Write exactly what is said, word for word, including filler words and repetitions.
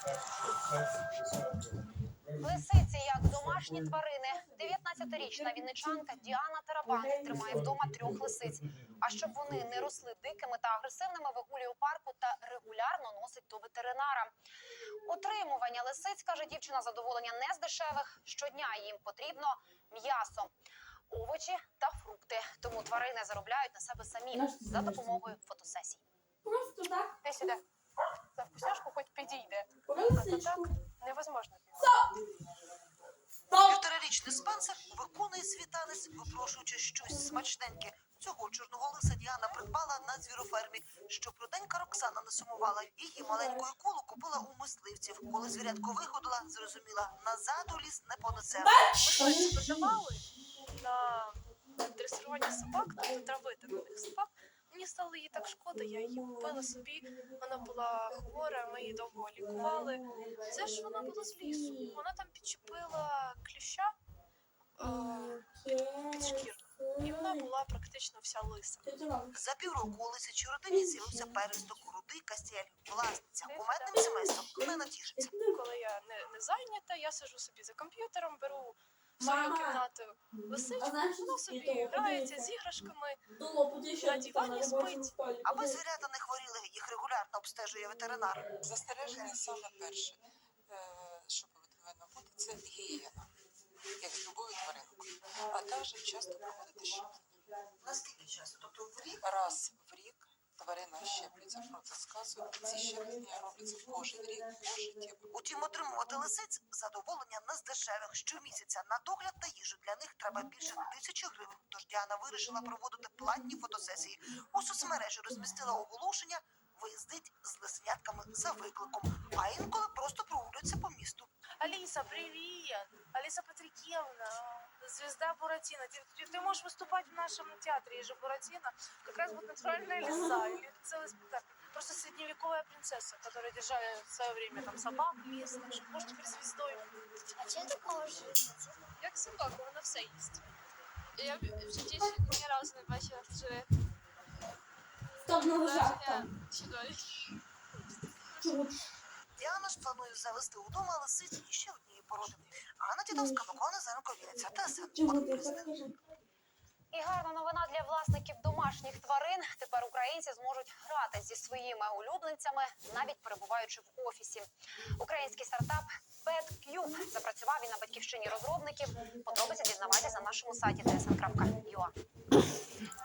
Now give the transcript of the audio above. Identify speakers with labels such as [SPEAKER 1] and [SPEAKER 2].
[SPEAKER 1] Лисиці як домашні тварини. дев'ятнадцятирічна вінничанка Діана Тарабан тримає вдома трьох лисиць. А щоб вони не росли дикими та агресивними, вигулює у парку та регулярно носить до ветеринара. Утримування лисиць, каже дівчина, задоволення не з дешевих. Щодня їм потрібно м'ясо, овочі та фрукти. Тому тварини заробляють на себе самі за допомогою фотосесій.
[SPEAKER 2] Просто так.
[SPEAKER 1] Ти сюди. За вкусняшку хоч підійде.
[SPEAKER 2] Лисичку.
[SPEAKER 1] Невозможно.
[SPEAKER 3] Півторарічний Спенсер виконує свій танець, випрошуючи щось смачненьке. Цього чорного лиса Діана придбала на звірофермі. Щоб руденька Роксана не сумувала, її маленьку колу купила у мисливців. Коли звірятко виходила, зрозуміла, назад у ліс не понесе.
[SPEAKER 4] Ми подавали на дресирування собак, тобто травити на них собак. Мені стало її так шкода, я її купила собі, вона була хвора, ми її довго лікували. Це ж вона була з лісу, вона там підчепила кліща е, під шкіру. І вона була практично вся лиса.
[SPEAKER 3] За півроку у лисячій родині з'явився пересток, рудий кастель. Власниця кумедним сімейством не натішиться.
[SPEAKER 4] Коли я не, не зайнята, я сиджу собі за комп'ютером, беру в свою кімнату лисичку, вона собі грається з іграшками, на дивані спить.
[SPEAKER 3] Аби звірята не хворіли, їх регулярно обстежує ветеринар.
[SPEAKER 5] Застереження саме перше, що повинно бути, це гігієна, як з любою тваринкою. А також часто проводити щеплення.
[SPEAKER 3] Наскільки часто? Тобто в рік?
[SPEAKER 5] Раз в рік тварина щеплюється проти сказу. Ці щеплення робляться кожен рік пожиттєво.
[SPEAKER 3] Утім, отримувати лисиць задоволення не з дешевих. Щомісяця на догляд та їжу для них треба більше тисячі гривень. Тож Діана вирішила проводити платні фотосесії. У соцмережі розмістила оголошення «Виїздить з лисенятками за викликом», а інколи просто прогулюється по місту.
[SPEAKER 4] Алиса, привет! Алиса Патрикевна, звезда Буратино. Ты, ты, ты можешь выступать в нашем театре, есть же Буратино. Как раз будет натуральная лиса или целый спектакль. Просто средневековая принцесса, которая держала в свое время там собак местных. Может, теперь звездой.
[SPEAKER 6] А чого ти кажеш?
[SPEAKER 4] Як собака, вона все їсть. Я в житті ні разу не бачила живе.
[SPEAKER 2] Стопного жарта.
[SPEAKER 3] Діана ж планує завести удома лисиць ще однієї породи. Анна Тітовська, Микола Незаренко, Вінниця, ТСН.
[SPEAKER 1] І гарна новина для власників домашніх тварин. Тепер українці зможуть грати зі своїми улюбленцями, навіть перебуваючи в офісі. Український стартап PetCube запрацював він на батьківщині розробників. Подробиці дізнавайтеся на нашому сайті ті ес ен крапка ю а.